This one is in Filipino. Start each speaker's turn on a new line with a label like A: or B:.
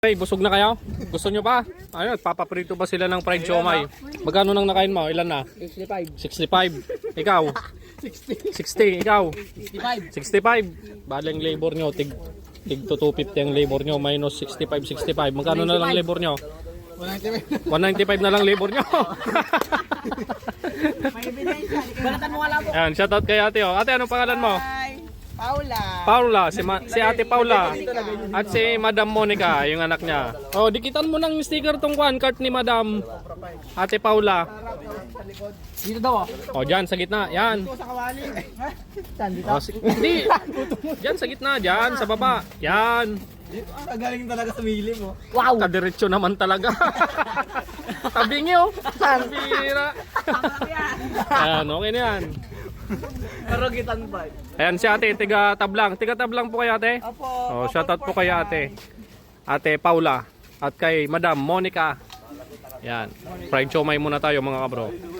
A: Okay, busog na kayo? Gusto nyo pa? Ayun, papaprito pa sila ng fried siomay. Magkano nang nakain mo? Ilan na? 65. 65. Ikaw? 60. Ikaw? 65. Baling labor nyo, tig to 250 ang labor nyo, minus 65. Magkano na lang labor nyo? 195 na lang labor nyo. Ayan, shoutout kay ate. Oh. Ate, anong pangalan mo? Paula, si Ate Paula at si Madam Monica, yung anak niya. Oh, dikitan mo ng sticker tong cart ni Madam Ate Paula.
B: Dito daw
A: Oh, diyan sa gitna. Yan.
B: sa kawali.
A: Oh, hindi. Diyan sa gitna, diyan sa baba. Yan.
B: Galing talaga sa mili mo.
A: Wow, kadiretso naman talaga. Tabingi oh. Bira. Ayan, okay na yan.
B: Karugitan pa.
A: Ayan si ate, tiga tablang. Tiga tablang po kay ate.
B: Opo.
A: Oh, shoutout po kay ate. Ate Paula at kay Madam Monica. Yan. Fried siomay muna tayo mga kabro.